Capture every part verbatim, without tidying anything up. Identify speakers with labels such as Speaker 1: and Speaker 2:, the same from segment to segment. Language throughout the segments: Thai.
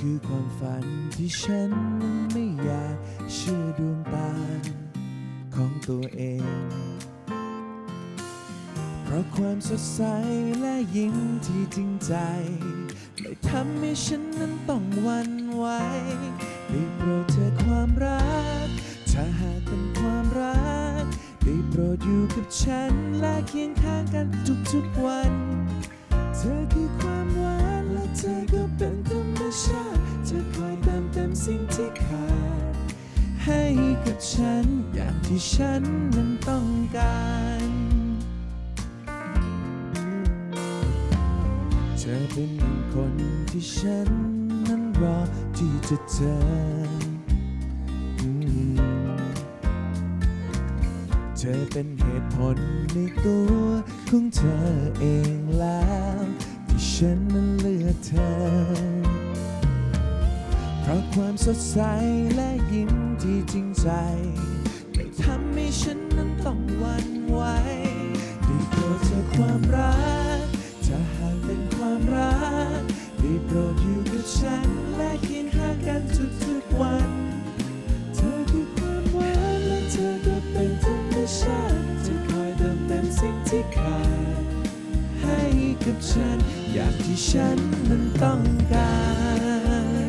Speaker 1: คือความฝันที่ฉันไม่อยากเชื่อดวงตาของตัวเองเพราะความสดใสและยิ้มที่จริงใจไม่ทำให้ฉันนั้นต้องหวั่นไหวได้โปรดเธอความรักถ้าหากเป็นความรักได้โปรดอยู่กับฉันและเคียงข้างกันทุกๆวันเธอคือความหวานและเธอก็เป็นธรรมชาติเธอคอยเติมเต็มสิ่งที่ขาดให้กับฉันอย่างที่ฉันนั้นต้องการเธอเป็นหนึ่งคนที่ฉันนั้นรอที่จะเจอเธอเป็นเหตุผลในตัวของเธอเองแล้วที่ฉันนั้นเลือกเธอเพราะความสดใสและยิ้มที่จริงใจไม่ทำให้ฉันนั้นต้องหวั่นไหวได้โปรดเธอความรักถ้าหากเป็นความรักได้โปรดอยู่กับฉันและเคียงข้างกันทุกๆวันเธอคือความหวานและเธอก็เป็นธรรมชาติเธอคอยเติมเต็มสิ่งที่ขาดให้กับฉันอย่างที่ฉันนั้นต้องการ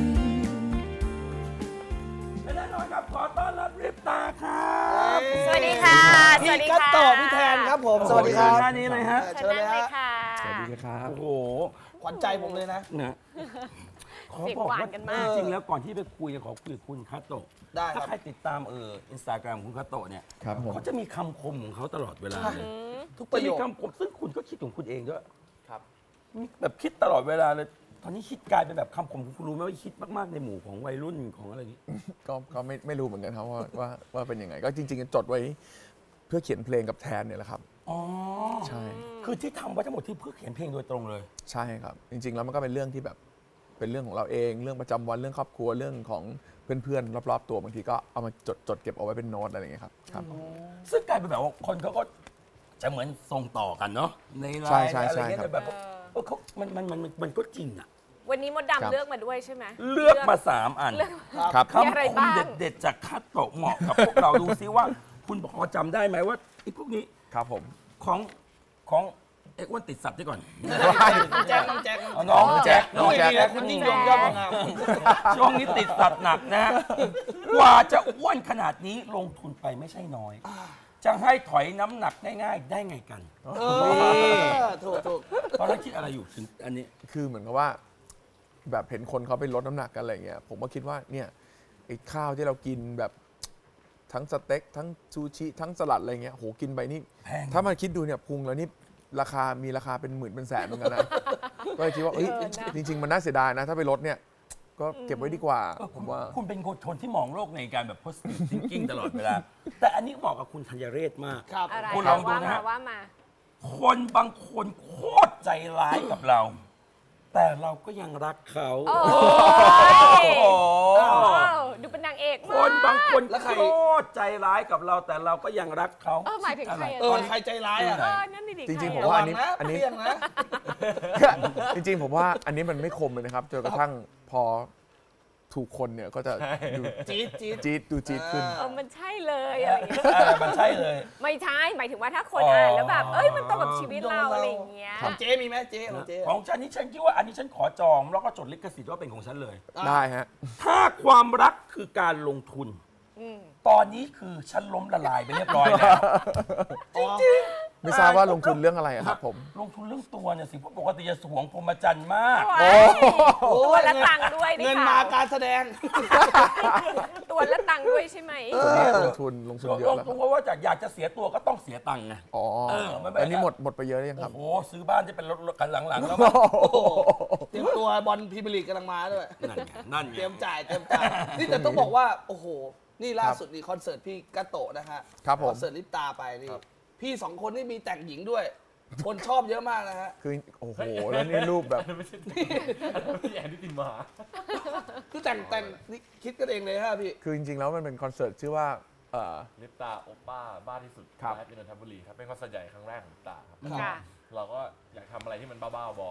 Speaker 2: และแน่นอนครับขอต้อนรับริปตาครับ
Speaker 3: สวัสดีค่ะสวัสดีค่ะ
Speaker 4: พี่กัตโตพี่แทนครับผมสวัสดีครับ
Speaker 2: ท่านี้เลยฮะ
Speaker 3: เชิญเลยค่ะ
Speaker 1: สวัสดีครับ
Speaker 2: โอ้โห
Speaker 4: ขวัญใจผมเลยนะ
Speaker 2: นะขอ
Speaker 3: เสียง
Speaker 2: บอก
Speaker 3: หวาน
Speaker 2: ว่า
Speaker 3: กันมาก
Speaker 2: จริงๆแล้วก่อนที่ไปคุยขอคุยกับคุณคาโตะ
Speaker 4: ได้ค
Speaker 2: ถ้า
Speaker 4: รับ
Speaker 2: ใครติดตามเอออินสตาแกรมคุณคาโตะเนี่ย
Speaker 1: ครับผม
Speaker 2: เขาจะมีคำคมของเขาตลอดเวลาเลย
Speaker 4: ทุกประโย
Speaker 2: มี
Speaker 4: ค
Speaker 2: คำคมซึ่งคุณก็คิดของคุณเองด้วย
Speaker 4: ครับ
Speaker 2: มีแบบคิดตลอดเวลาเลยตอนนี้คิดกลายเป็นแบบคำคมคุณรู้ไหมว่าคิดมากๆในหมู่ของวัยรุ่นของอะไรอย่างนี้
Speaker 5: ก็ก็ไม่ไม่รู้เหมือนกันครับว่าว่าว่าเป็นยังไงก็จริงๆจดไว้เพื่อเขียนเพลงกับแทนเนี่ยแหละครับ
Speaker 2: อ๋อ
Speaker 5: ใช่
Speaker 2: คือที่ทำไว้ทั้งหมดที่เพื่อเขียนเพลงโดยตรงเลย
Speaker 5: ใช่ครับจริงๆแล้วมันก็เป็นเรื่องที่แบบเป็นเรื่องของเราเอง เรื่องประจำวันเรื่องครอบครัวเรื่องของเพื่อนๆรอบๆตัวบางทีก็เอามาจดจดเก็บเอาไว้เป็นโน้ตอะไรอย่างเงี้ยครับครับ
Speaker 2: ซึ่งกลายเป็นแบบว่าคนเขาก็จะเหมือนส่งต่อกันเนาะในไล
Speaker 5: ใช่
Speaker 2: น์
Speaker 5: ใช่
Speaker 2: อะไร
Speaker 5: ใช่
Speaker 2: เงี้ย
Speaker 5: ครับ
Speaker 2: แต่แบบว่าเออเขามันมันมันมันก็จริงอะ
Speaker 3: วันนี้มด
Speaker 5: ครับ
Speaker 3: ดำเลือกมาด้วยใช่ไหม
Speaker 2: เลือกมาสามอัน
Speaker 3: เลือก
Speaker 5: ครับ
Speaker 2: คำ
Speaker 3: มีอะไร
Speaker 2: คม
Speaker 3: บ้าง
Speaker 2: เด็ดๆจากคาโตะเหมาะกับพวกเราดูซิว่า คุณพอจำได้ไหมว่าไอ้พวกนี้
Speaker 5: ครับผม
Speaker 2: ของของเอ็กซ์อ้วนติดสับด้วยก่อน
Speaker 4: แจ็คน้องแจ็ค
Speaker 2: เอาน้องแจ็ค
Speaker 4: น้องแจ็คนะคุณยิ่งยงยอดบังงาม
Speaker 2: ช่วงนี้ติดสับหนักนะ กว่าจะอ้วนขนาดนี้ลงทุนไปไม่ใช่น้อย จะให้ถอยน้ำหนักง่ายๆ ได้ไงกัน
Speaker 4: เออถูกถูก
Speaker 2: ตอนแรกคิดอะไรอยู่ถึงอันนี้
Speaker 5: คือเหมือนกับว่าแบบเห็นคนเขาไปลดน้ำหนักกันอะไรเงี้ยผมก็คิดว่าเนี่ยไอ้ข้าวที่เรากินแบบทั้งสเต็กทั้งซูชิทั้งสลัดอะไรเงี้ยโหกินไปนี่
Speaker 2: แพง
Speaker 5: ถ้ามาคิดดูเนี่ยพุงแล้วนี่ราคามีราคาเป็นหมื่นเป็นแสนเหมือนกันนะ ก็เลยคิดว่าเอ้ย
Speaker 3: เออนะ
Speaker 5: จริง ๆ มันน่าเสียดายนะ ถ้าไปลดเนี่ยก็เก็บไว้ดีกว่า
Speaker 2: เออ
Speaker 5: ผ
Speaker 2: คุณ
Speaker 5: มว่า
Speaker 2: คุณเป็นคนที่มองโลกในการแบบ positive thinking ตลอดเวลา แต่อันนี้เหมาะกับคุณธัญเรศมาก
Speaker 4: ครับ
Speaker 3: อะไร
Speaker 2: คุณลองดู
Speaker 3: ว่า
Speaker 2: นะ
Speaker 3: มา
Speaker 2: ฮะ
Speaker 3: ว่ามา
Speaker 2: คนบางคนโคตรใจร้ายกับเรา แต่เราก็ยังรักเขา
Speaker 3: โอ้
Speaker 2: โอ้
Speaker 3: ย
Speaker 2: โห
Speaker 3: ว้าวดูเป็นนางเอก
Speaker 2: ค
Speaker 3: มาก
Speaker 2: นบางคน
Speaker 4: แล้วใคร
Speaker 2: โคตรใจร้ายกับเราแต่เราก็ยังรักเขา
Speaker 3: เออหมายถึงใครอะ
Speaker 4: เออใครใจร้ายอ่ะ
Speaker 3: เออนั่นดิ
Speaker 5: จริงๆ
Speaker 3: ใค
Speaker 5: ผม
Speaker 3: อะ
Speaker 5: ว่าอันนี้
Speaker 4: ระวังนะ
Speaker 5: อันนี้
Speaker 4: เปรี้ยงนะ
Speaker 5: จริงๆผมว่าอันนี้มันไม่คมเลยนะครับจนกระทั่งพอถูกคนเนี่ยก็จะดู
Speaker 4: จี๊ดจี๊ด
Speaker 5: จี๊ดดูจี๊ดขึ้น
Speaker 3: เออมันใช่เลยอะไรอย่างเงี้ย
Speaker 2: เออมันใช่เลย
Speaker 3: ไม่ใช่หมายถึงว่าถ้าคน
Speaker 2: อ๋ออ่
Speaker 3: อ่านแล้วแบบ เอ้ยมันตรงกับชีวิตเรา
Speaker 4: ตรงกับเรา
Speaker 3: อะไรอย่างเงี้ย
Speaker 4: ของเจ๊มีไหมเจ๊ของเจ๊
Speaker 2: ของฉันนี่ฉันคิดว่าอันนี้ฉันขอจองแล้วก็จดลิขสิทธิ์ว่าเป็นของฉันเลย
Speaker 5: ได้ฮะ
Speaker 2: ถ้าความรักคือการลงทุน
Speaker 3: อืม
Speaker 2: ตอนนี้คือฉันล้มละลายไปเรียบร้อยแล้ว
Speaker 4: จริง
Speaker 5: ไม่ทราบว่าลงทุนเรื่องอะไรอะครับผม
Speaker 2: ลงทุนเรื่องตัวเนี่ยสิเพราะปกติจะสวงพรหมจรรย์มาก
Speaker 3: โอ้ยตัวละตังค์ด้วย
Speaker 4: เงินมาการแสดง
Speaker 3: ตัวละตังค์ด้วยใช่ไหม
Speaker 5: ตัวนี้ลงทุนลงทุนเย
Speaker 2: ล
Speaker 5: อะ
Speaker 2: ง
Speaker 5: แล้วค
Speaker 2: ทุ
Speaker 5: รั
Speaker 2: น
Speaker 5: บ
Speaker 2: เพราะว่าจากอยากจะเสียตัวก็ต้องเสียตังค์ไง
Speaker 5: อ๋อ
Speaker 2: เออมันไม่
Speaker 5: อันนี้หมดหมดไปเยอะหรือยังค
Speaker 2: โอ้
Speaker 5: รับ
Speaker 2: โหซื้อบ้านที่เป็นรถรถคันหลังๆแล้ว
Speaker 4: เตรียมตัวบอลพรีเมียร์ลีกกำลังมาด้วย
Speaker 2: นั่นไงนั่นไง
Speaker 4: เตรียมจ่ายเตรียมจ่าย นี่แต่ต้องบอกว่า โอ้โห นี่ล่าสุดนี่คอนเสิร์ตพี่กัตโตะนะฮะ
Speaker 5: ครับผม
Speaker 4: คอนเสิร์ตลิปตาไปนี่ พี่สองคนนี่มีแต่งหญิงด้วย คนชอบเยอะมากนะฮะ
Speaker 5: คือโอ้โหแล้วนี่รูปแบบ
Speaker 6: พี่แอนที่ตินมา
Speaker 4: คือแต่งแต่งนี่คิดกันเองเลยฮะพี่
Speaker 5: คือจริงๆแล้วมันเป็นคอนเสิร์ตชื่อว่าเอ่อ
Speaker 6: ลิปตาโอป้าบ้าที่สุด
Speaker 5: ครับ
Speaker 6: ที่นนทบุรีครับเป็นคอนเสิร์ตใหญ่ครั้งแรกของลิปตาครับ
Speaker 3: ค่ะ
Speaker 6: เราก็อยากทำอะไรที่มันบ้าๆบอๆครับ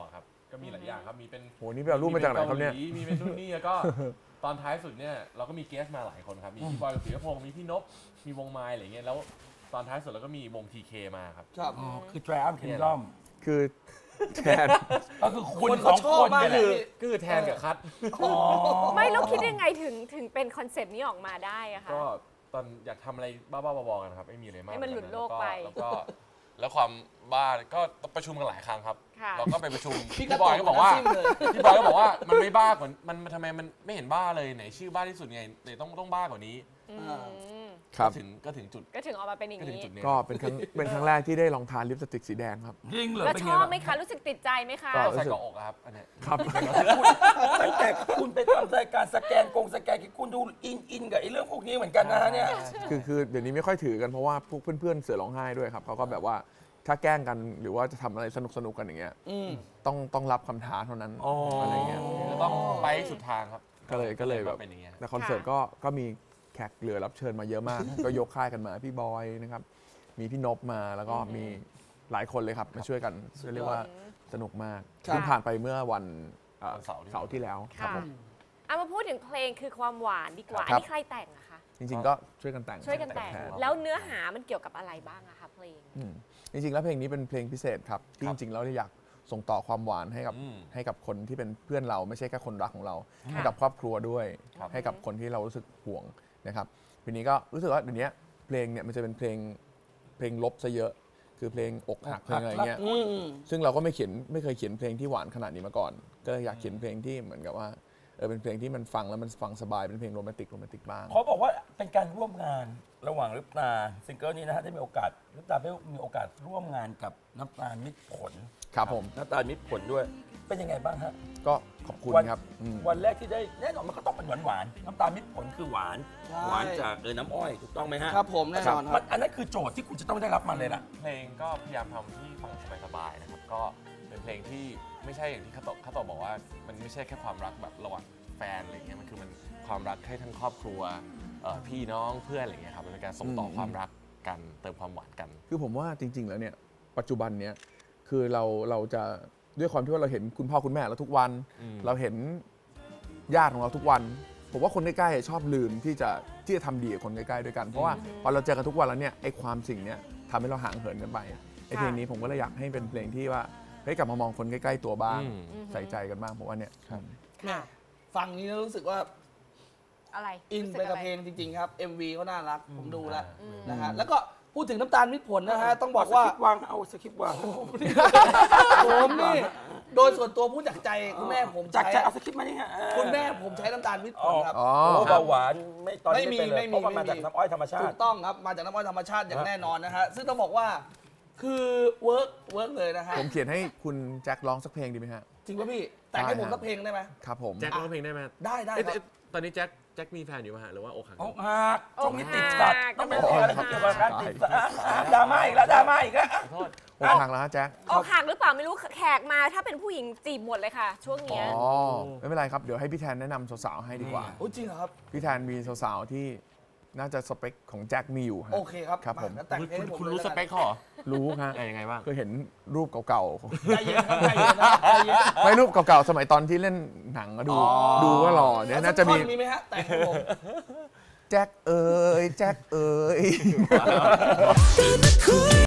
Speaker 6: ก็มีหลายอย่างครับมีเป็น
Speaker 5: โหนี่ไปเอารูปมาจากไหนครับเนี่ย
Speaker 6: มีเป็นนู่นนี่แล้วก็ตอนท้ายสุดเนี่ยเราก็มีเกสมาหลายคนครับมีพี่บอยกับศิรพงศ์มีพี่นพมีวงไม้อะไรเงี้ยแล้วตอนท้ายสุดเราก็มีวง ที เค มาครับ
Speaker 4: ครับ
Speaker 2: อ๋อคือ Triumph Kingdom
Speaker 5: คือแทน
Speaker 2: ก็คือคุณ
Speaker 4: คน
Speaker 2: ส
Speaker 4: เขา
Speaker 2: อง
Speaker 4: ชอบ
Speaker 2: คน
Speaker 4: มาก
Speaker 2: เนี่ยแห
Speaker 4: เล
Speaker 2: ละ
Speaker 4: ย
Speaker 6: ก็คือแทนกับคัท
Speaker 2: อ๋อ
Speaker 3: ไม่แล้วคิดยังไงถึงถึงเป็นคอนเซปต์นี้ออกมาได้อะคะ
Speaker 6: ก็ตอนอยากทำอะไรบ้าๆบอๆกันครับไม่มีอะไรมาก
Speaker 3: ให้มันหลุดโลก
Speaker 6: แว
Speaker 3: ไป
Speaker 6: แล้วก็แล้วความบ้าก็ประชุมกันหลายครั้งครับ
Speaker 3: ค่ะ
Speaker 6: เราก็ไปประชุม
Speaker 4: พี่
Speaker 6: พี่บอยก็บอกว่า
Speaker 4: ซิ่มเลย
Speaker 6: พี่บอยก็บอกว่ามันไม่บ้ากว่ามันมันทำไมมันไม่เห็นบ้าเลยไหนชื่อบ้าที่สุดไงไหนต้องต้องบ้ากว่านี้
Speaker 3: อืม
Speaker 5: ครับ
Speaker 6: ก็ถึงก็ถึงจุด
Speaker 3: ก็ถึงออกมาเป็นอย่าง
Speaker 6: ก็ถึง
Speaker 3: นี้
Speaker 6: จุดนี้
Speaker 5: ก็เป็นครั้งเป็นครั้งแรกที่ได้ลองทานลิปสติกสีแดงครับ
Speaker 2: จริงเหรอ
Speaker 3: แล้ว
Speaker 2: เป็น
Speaker 3: ช
Speaker 2: ไง
Speaker 3: อบ
Speaker 2: บ้าง
Speaker 3: ไหมคะ รู้สึกติดใจไหมคะ
Speaker 5: ก็
Speaker 6: ใส่เกาะอกอะครับอันเนี้ย
Speaker 5: ครับ
Speaker 2: ตั้งแต่คุณไปทำรายการสแกนกงสแกนคุณดูอินอินกับไอ้เรื่องพวกนี้เหมือนกันนะฮะเนี่ย
Speaker 5: คือคือเดี๋ยวนี้ไม่ค่อยถือกันเพราะว่าพวกเพื่อนๆเสือร้องไห้ด้วยครับเขาก็แบบว่าถ้าแกล้งกันหรือว่าจะทำอะไรสนุกสนุกๆกันอย่างเงี้ย
Speaker 4: อืม
Speaker 5: ต้องต้องรับคำท้าเท่านั้น
Speaker 2: อ๋ออ
Speaker 5: อะไรเงี้ย
Speaker 6: ก็ต้องไปให้สุดทางครับ
Speaker 5: ก็เลยก็เลยแบบ
Speaker 6: เป็นอย่างเงี้ย
Speaker 5: แต่คอนเสิร์ตก็ก็มีแขกเหลือรับเชิญมาเยอะมาก ก็ยกค่ายกันมาพี่บอยนะครับมีพี่นพมาแล้วก็มีหลายคนเลยครับมาช่วยกันเรียกว่าสนุกมาก
Speaker 4: ครับ
Speaker 5: เพิ่งผ่านไปเมื่อวันเอ่อ
Speaker 6: วันเสาร์ที่
Speaker 5: เสาร์ที่แล้วครับ
Speaker 3: ค่ะ
Speaker 5: ผม
Speaker 3: เอามาพูดถึงเพลงคือความหวานดีกว่า
Speaker 5: ครั
Speaker 3: อัน
Speaker 5: บ
Speaker 3: นี้ใครแต่งอะคะ
Speaker 5: จริงๆก็ช่วยกันแต่ง
Speaker 3: ช่วยกันแต่ง
Speaker 5: ทน
Speaker 3: แล้วเนื้อหามันเกี่ยวกับอะไรบ้างอะคะเพลง
Speaker 5: อืมจริงๆแล้วเพลงนี้เป็นเพลงพิเศษครับที่จริงๆแล้วอยากส่งต่อความหวานให้กับ
Speaker 6: อืม
Speaker 5: ให้กับคนที่เป็นเพื่อนเราไม่ใช่แค่คนรักของเรา
Speaker 3: ค่ะ
Speaker 5: ให้กับครอบครัวด้วย
Speaker 6: ครับ
Speaker 5: ให้กับคนที่เรารู้สึกห่วงนะครับทีนี้ก็รู้สึกว่าเดี๋ยวนี้เพลงเนี่ยมันจะเป็นเพลงเพลงลบซะเยอะ คือเพลงอกหักเพลงอะไรเงี้ย
Speaker 4: อืม
Speaker 5: ซึ่งเราก็ไม่เขียนไม่เคยเขียนเพลงที่หวานขนาดนี้มาก่อน ก็เลยอยากเขียนเพลงที่เหมือนกับว่าเออเป็นเพลงที่มันฟังแล้วมันฟังสบายเป็นเพลงโรแมนติกโรแมนติกบ้าง
Speaker 2: เขาบอกว่าเป็นการร่วมงานระหว่างลิปตาซิงเกิลนี้นะฮะได้มีโอกาสลิปตาได้มีโอกาสร่วมงานกับน้ำตาลมิตรผล
Speaker 5: ครับผม
Speaker 2: น้ำตาลมิตรผลด้วย เป็นยังไงบ้างฮะ
Speaker 5: ก็ขอบคุณ
Speaker 2: วัน
Speaker 5: ครับอืม
Speaker 2: วันแรกที่ได้แน่นอนมันก็ต้องเป็นหวานหวานๆน้ำตาลมิตรผลคือหวาน
Speaker 4: ใช่
Speaker 2: หวานจากเออน้ำอ้อยถูกต้องไหมฮะ
Speaker 4: ครับผมแน่นอนค
Speaker 2: มั
Speaker 4: รับ
Speaker 2: นอันนั้นคือโจทย์ที่คุณจะต้องได้รับมันเลยล่ะ
Speaker 6: เพลงก็พยายามทำที่ฟังสบายๆนะครับก็เป็นเพลงที่ไม่ใช่อย่างที่คาโตะคาโตะบอกว่ามันไม่ใช่แค่ความรักแบบระหว่างแฟนอะไรเงี้ยมันคือมันความรักให้ทั้งครอบครัวเอ่อพี่น้องเพื่อนอะไรเงี้ยครับมันเป็นการส่งต่อความรักกันเติมความหวานกัน
Speaker 5: คือผมว่าจริง ๆ แล้วเนี่ยปัจจุบันเนี้ยคือเราเราจะด้วยความที่ว่าเราเห็นคุณพ่อคุณแม่เราทุกวัน
Speaker 6: อืม
Speaker 5: เราเห็นญาติของเราทุกวัน ผมว่าคนใกล้ๆชอบลืมที่จะที่จะทำดีกับคนใกล้ๆด้วยกัน เพราะว่าพอเราเจอกันทุกวันแล้วเนี่ยไอ้ความสิ่งเนี้ยทำให้เราห่างเหินกันไปไอ้เพลงนี้ผมก็เลยอยากให้เป็นเพลงที่ว่าเฮ้ยกลับมามองคนใกล้ๆตัวบ้าง
Speaker 6: อืม
Speaker 5: ใส่ใจกันบ้างผมว่าเนี่ยครับ
Speaker 3: ค่ะ
Speaker 4: ฟังนี้แล้วรู้สึกว่า
Speaker 3: อะไร
Speaker 4: อิน
Speaker 3: รู้สึ
Speaker 4: ไปกับ
Speaker 3: ะร
Speaker 4: เพลงจริง ๆ ครับ เอ็ม วี เขาน่ารัก ผมดูแล้ว
Speaker 3: อืม
Speaker 4: นะฮะแล้วก็พูดถึงน้ำตาลมิตรผลนะฮะ ต้องบอกว่า
Speaker 2: สคริปต์วางเอาสคริปต์วาง
Speaker 4: ผมนี่ โดยส่วนตัวพูดจากใจคุณแม่ผม
Speaker 2: จาก
Speaker 4: ใช้
Speaker 2: จะเอาสคริปต์มานี่ฮะ
Speaker 4: คุณแม่ผมใช้น้ำตาลมิตรผลครับ
Speaker 5: อ๋อ
Speaker 2: โอ้เบาหวานไม่ตอนนี้
Speaker 4: ไม่มี
Speaker 2: ไม่เป็นเลย
Speaker 4: ไม่มี
Speaker 2: เพราะว่ามา
Speaker 4: ไม่มี
Speaker 2: จากน้ำอ้อยธรรมชา
Speaker 4: ถู
Speaker 2: ติ
Speaker 4: กต้องครับ มาจากน้ำอ้อยธรรมชาติอย่างแน่นอนนะฮะ ซึ่งต้องบอกว่าคือเวิร์กเวิร์กเลยนะฮะ
Speaker 5: ผมเขียนให้คุณแจ็คร้องสักเพลงดีไหมฮะ
Speaker 4: จริงป่ะพี่ แต่งให้ผม
Speaker 5: ได้ครับ
Speaker 4: สักเพลงได้ไหม
Speaker 5: ครับผม
Speaker 6: แจ็คร้องเพลงได้ไหม
Speaker 4: ได้ได้
Speaker 6: เอ๊ะ
Speaker 4: ครับ
Speaker 6: เอ๊ะตอนนี้แจ็คแจ็คมีแฟนอยู่ไหมฮะหรือว่าอกหัก
Speaker 2: อกหักช่วงนี้ติดสัตว์
Speaker 3: อกหัก
Speaker 2: ต้องเป็นอะไรที่เกี่ยวกับการติดสัตว์อ่ะดราม่าอีกแล้วดราม่าอีกแล้ว
Speaker 6: ขอโทษ
Speaker 5: อกหักแล้วฮะแจ็ค
Speaker 3: อกหักหรือเปล่าไม่รู้แขกมาถ้าเป็นผู้หญิงจีบหมดเลยค่ะ ช่วง
Speaker 5: อ๋
Speaker 3: เนี้ย
Speaker 5: อไม่เป็นไรครับเดี๋ยวให้พี่แทนแนะนำสาวๆให้ดีกว่า
Speaker 4: โอ้จริงเหรอครับ
Speaker 5: พี่แทนมีสาวๆที่น่าจะสเปคของแจ็คมีอยู่ฮะ
Speaker 4: โอเคครับ
Speaker 5: ครับผม
Speaker 4: าแล้วแต่ง
Speaker 6: คุณ
Speaker 4: เพลงให้ผม
Speaker 6: คุณ
Speaker 4: ลย
Speaker 6: รู้
Speaker 4: แล้ว
Speaker 6: ส
Speaker 4: กัน
Speaker 6: เปคเขาเหรอ
Speaker 5: รู้ฮะ
Speaker 6: เอ้ยยังไงบ้าง
Speaker 5: เคยเห็นรูปเก่า
Speaker 4: ใจเย็นครับใจเย็นนะใจเย็น
Speaker 5: ๆ ไม่รูปเก่าๆ สมัยตอนที่เล่นหนังก็ดู ดูว่าหล่อเนี่ยน่าจะมี
Speaker 4: สักท่อมีไหมฮะแต่งให้ผม
Speaker 5: แจ็คเอ๋ยแจ็คเอ๋ย